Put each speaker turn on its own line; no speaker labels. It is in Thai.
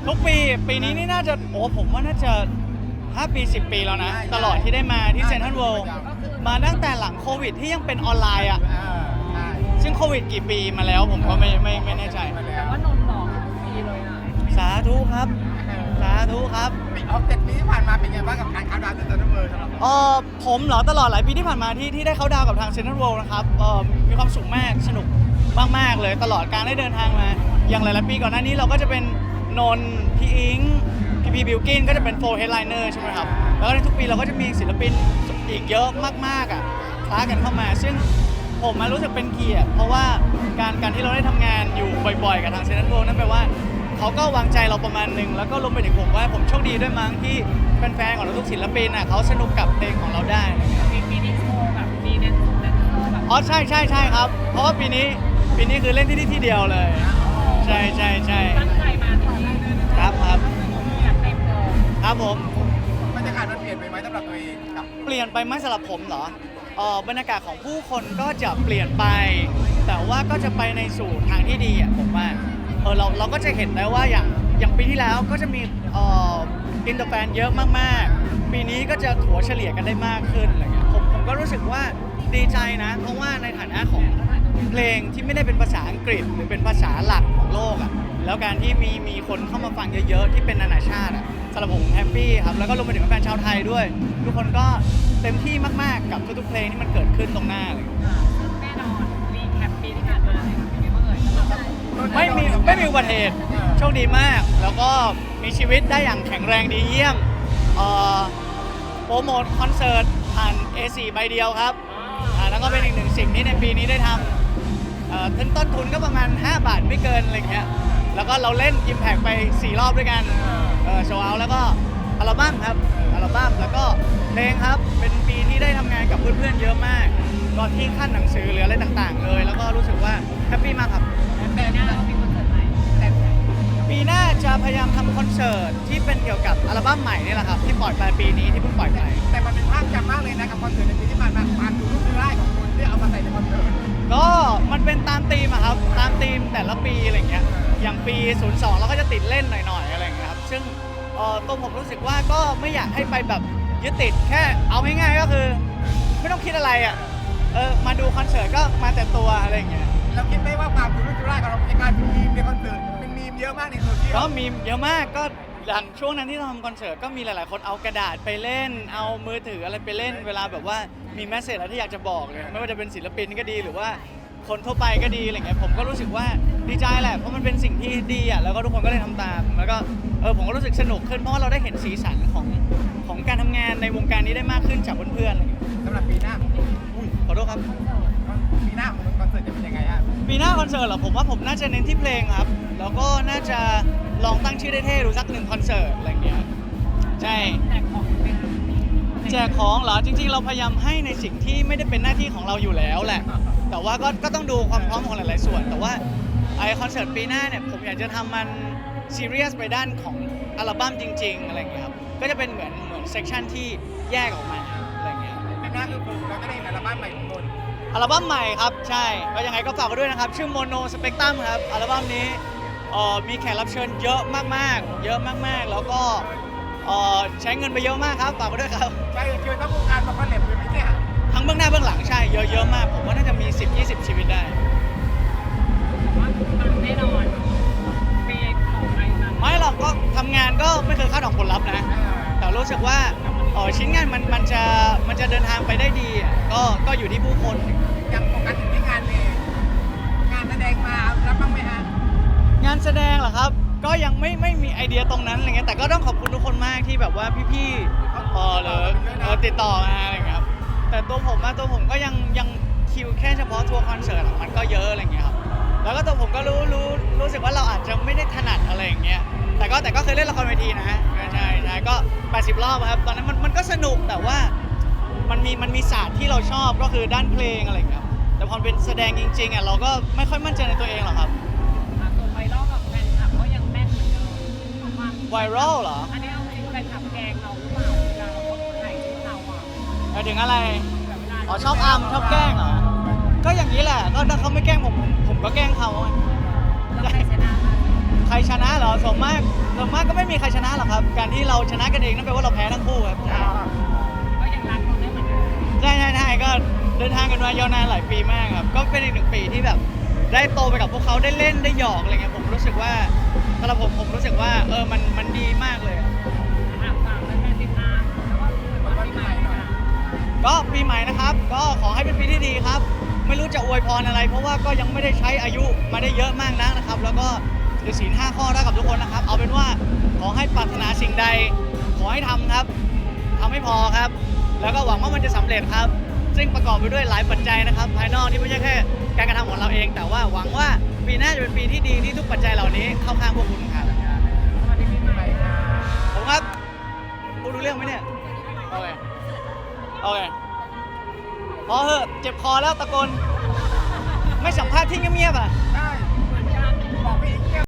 ทุกปีนี้นี่น่าจะผมว่าน่าจะ5 ปี10 ปีแล้วนะตลอดที่ได้มาที่เซ็นทรัลเวิลด์มาตั้งแต่หลังโควิดที่ยังเป็นออนไลน์อ่ะซึ่งโควิดกี่ปีมาแล้วผมก็ไม่แน่ใจ
แต่ว่านนท์บอกปีเลยอ่ะ
สาธุครับสาธุครับ
7 ปีที่ผ่านมาเป็นไงบ้างกับการเข้าดาวน์เซ็นทรัลเวิลด์สำหรับเรา
ผมเหรอตลอดหลายปีที่ผ่านมาที่ได้เข้าดาวกับทางเซ็นทรัลเวิลด์นะครับมีความสุขมากสนุกมากๆเลยตลอดการได้เดินทางมาอย่างหลายๆปีก่อนหน้านี้เราก็จะเป็นนนท์พี่อิงพี่บิวกินก็จะเป็น4 headliner ใช่ไหมครับแล้วก็ในทุกปีเราก็จะมีศิลปินอีกเยอะมากๆอ่ะคล้ากันเข้ามาซึ่งผมรู้สึกเป็นเกียรติเพราะว่าการที่เราได้ทำงานอยู่บ่อยๆกับทางเซ็นทรัลเวิลด์นั่นแปลว่าเขาก็วางใจเราประมาณหนึ่งแล้วก็รวมไปถึงผมว่าผมโชคดีด้วยมั้งที่แฟนๆของเราทุกศิลปินอ่ะเขาสนุกกับเพลงของเราได้
มีนิโชว์แบบมีแดนเซอร์แบบ
ใช่ครับเพราะว่าปีนี้คือเล่นที่นี่ที่เดียวเลยใช่
ตั้งใจมาตอนแรกเลยนะครับ จัดเต็มเลย
ครับผม
บรรยากาศมันเปลี่ยนไปไหมสำหรับตัวเองกับ
เปลี่ยนไปไหมสำหรับผมเหรอบรรยากาศของผู้คนก็จะเปลี่ยนไป แต่ว่าก็จะไปในสู่ทางที่ดีอ่ะผมว่าเราก็จะเห็นได้ว่าอย่างปีที่แล้วก็จะมีอินเตอร์แฟนเยอะมากๆปีนี้ก็จะถัวเฉลี่ยกันได้มากขึ้นอะไรเงี้ยผมก็รู้สึกว่าดีใจนะเพราะว่าในฐานะของเพลงที่ไม่ได้เป็นภาษาอังกฤษหรือเป็นภาษาหลักของโลกอ่ะแล้วการที่มีคนเข้ามาฟังเยอะๆที่เป็นนานาชาติอ่ะสำหรับผมแฮปปี้ครับแล้วก็รวมไปถึงแฟนชาวไทยด้วย ทุกคนก็เต็มที่มากๆกับทุกๆเพลงที่มันเกิดขึ้นตรงหน้าเลย
แน่นอนรีแคปปีที่ผ่านมาเลยเป็นไงบ้างเอ่ยสำหรับเรา
ไม่มีอุบัติเหตุโชคดีมาก แล้วก็มีชีวิตได้อย่างแข็งแรงดีเยี่ยมโปรโมทคอนเสิร์ตผ่าน A4 ใบเดียวครับแล้วก็เป็นอีกหนึ่งสิ่งที่ในปีนี้ได้ทำต้นทุนก็ประมาณ5 บาทไม่เกินอะไรเงี้ยแล้วก็เราเล่น Impact ไป4 รอบด้วยกันโชว์เอาแล้วก็อัลบั้มครับอัลบั้มแล้วก็เพลงครับเป็นปีที่ได้ทำงานกับเพื่อนๆเยอะมากก่อนที่ขั้นหนังสือหรืออะไรต่างๆเลยแล้วก็รู้สึกว่าแฮปปี้มากครับ
ปีหน้าเรามีคอนเสิร์ตใหม่แต่
ปีหน้าจะพยายามทำคอนเสิร์ตที่เป็นเกี่ยวกับอัลบั้มใหม่นี่แหละครับที่ปล่อยไปปีนี้ที่เพิ่งปล่อยไป
แต่มันเป็นภาพจำมากเลยนะกับคอนเสิร์ตในปีที่ผ่านมาความดูรูปร่างของคุณที่เอามาใส่ในคอนเสิร์ต
ก็มันเป็นตามธีมอะครับตามธีมแต่ละปีอะไรเงี้ยอย่างปี 02เราก็จะติดเล่นหน่อยๆอะไรเงี้ยครับซึ่งตัวผมรู้สึกว่าก็ไม่อยากให้ไปแบบยึดติดแค่เอาง่ายๆก็คือไม่ต้องคิดอะไรอ่ะมาดูคอนเสิร์ตก็มาแต่ตัวอะไรเงี้ย
เราคิดไหมว่าความดูรูปร่างของเราจะกลายเป็นมีมในคอนเสิร์ตเป็นมีมเยอะมากในโซเชียล
ก็มีเยอะมากก็อย่างช่วงนั้นที่เราทำคอนเสิร์ตก็มีหลายๆคนเอากระดาษไปเล่น เอามือถืออะไรไปเล่นเวลาแบบว่ามีแมสเซจอะไรที่อยากจะบอกเลยไม่ว่าจะเป็นศิลปินก็ดีหรือว่าคนทั่วไปก็ดีอะไรเงี้ยผมก็รู้สึกว่าดีใจแหละเพราะมันเป็นสิ่งที่ดีอ่ะแล้วก็ทุกคนก็เลยทำตามแล้วก็ผมก็รู้สึกสนุกขึ้นเพราะว่าเราได้เห็นสีสันของการทำงานในวงการนี้ได้มากขึ้นจากเพื่อนๆอะไรเงี้ย
สำหรับปีหน้าของ
อุ้ยขอโทษครับ
ปีหน้าของคอนเสิร์ตจะเป็นยังไงฮะ
ปีหน้าคอนเสิร์ตเหรอผมว่าผมน่าจะเน้นที่เพลงครับแล้วก็น่าจะลองตั้งชื่อได้เท่ดูสัก1 คอนเสิร์ตอะไรเงี้ยใช่
แจกของเป็น
แจกของเหรอจริงๆเราพยายามให้ในสิ่งที่ไม่ได้เป็นหน้าที่ของเราอยู่แล้วแหละแต่ว่าก็ต้องดูความพร้อมของหลายๆส่วน แต่ว่าไอคอนเสิร์ตปีหน้าเนี่ยผมอยากจะทำมันซีเรียสไปด้านของอัลบั้มจริงๆอะไรเงี้ยครับก็จะเป็นเหมือนเซกชันที่แยกออกมาอะไรเงี้ย
ปีหน้าคือเราจะได้เห็นอัลบั้มใหม่ของนนท์
อัลบั้มใหม่ครับใช่ก็ยังไงก็ฝากไว้ด้วยนะครับชื่อ Mono Spectrum ครับอัลบั้มนี้มีแขกรับเชิญเยอะมากๆเยอะมากๆแล้วก็ใช้เงินไปเยอะมากครับฝากไว้ด้วยครับ
ใช่เชิญทั้งวงการมาคอลแลบเลยไหมเนี่ย
ทั้งเบื้องหน้าเบื้องหลังใช่เยอะมากผมว่าน่าจะมี 10-20 ชีวิตได้
ว่ามันแน่นอนปีของใครมา
ไม่หรอกก็ทำงานก็ไม่เคยคาดหวังผลลัพธ์นะแต่รู้สึกว่าชิ้นงานมันจะเดินทางไปได้ดีอ่ะก็อยู่ที่ผู้คน
ยังโฟกัสถึงที่งานเลยงานแสดงมารับบ้างไหมฮะ
งานแสดงเหรอครับก็ยังไม่มีไอเดียตรงนั้นอะไรเงี้ยแต่ก็ต้องขอบคุณทุกคนมากที่แบบว่าพี่ๆหรือติดต่อมาอะไรเงี้ยครับแต่ตัวผมก็ยังคิวแค่เฉพาะทัวร์คอนเสิร์ตอะมันก็เยอะอะไรเงี้ยครับแล้วก็ตัวผมก็รู้สึกว่าเราอาจจะไม่ได้ถนัดอะไรอย่างเงี้ยแต่ก็เคยเล่นละครเวทีนะใช่ก็80 รอบครับตอนนั้นมันก็สนุกแต่ว่ามันมีศาสตร์ที่เราชอบก็คือด้านเพลงอะไรเงี้ยครับแต่พอเป็นแสดงจริงๆอ่ะเราก็ไม่ค่อยมั่นใจในตัวเองหรอกครับ
ส่วนไวรัลกับแฟนคลับก็ยังแน่นเหมือนเดิมว่า
ไวรัลเหรอ
อันนี้เอาจริงแฟนคลับแกงเราหรือเปล่าเวลาเราถ่ายคลิปเราอ่ะ
หมายถึงอะไร
แบบเวลา
อ๋อชอบอัมชอบแกล้งเหรอ ก็อย่างนี้แหละ ก็ถ้าเขาไม่แกล้งผมก็แกล้งเขาอะ
แล้วใครชนะ
ใครชนะเหรอส่วนมากส่วนมากก็ไม่มีใครชนะหรอกครับ การที่เราชนะกันเองนั่นแปลว่าเราแพ้ทั้งคู่ครับ
ก็ยังรักเราได้เหมือนเดิม
ใช่ก็เดินทางกันมายาวนานหลายปีมากครับ ก็เป็นอีกหนึ่งปีที่แบบได้โตไปกับพวกเขาได้เล่นได้หยอกอะไรเงี้ยผมรู้สึกว่าสำหรับผมรู้สึกว่ามันดีมากเลยอะ
ฝากแฟนๆติดตามแล้วก็วันปีใหม่ค่ะ
ก็ปีใหม่นะครับ ก็ขอให้เป็นปีที่ดีครับ ไม่รู้จะอวยพรอะไร เพราะว่าก็ยังไม่ได้ใช้อายุมาได้เยอะมากนักนะครับ แล้วก็ถือศีล5 ข้อได้กับทุกคนนะครับ เอาเป็นว่าขอให้ปรารถนาสิ่งใด ขอให้ทำครับทำให้พอครับ แล้วก็หวังว่ามันจะสำเร็จครับ ซึ่งประกอบไปด้วยหลายปัจจัยนะครับ ภายนอกที่ไม่ใช่แค่การกระทำของเราเอง แต่ว่าหวังว่าปีหน้าจะเป็นปีที่ดีที่ทุกปัจจัยเหล่านี้เข้าข้างพวกคุณครับ
สวัสดีปีใหม่ค่ะ
ผมครับพูดรู้เรื่องไหมเนี่ย โอเคพอเหอะเจ็บคอแล้วตะโกน ไม่สัมภาษณ์ที่เงียบๆอ่ะ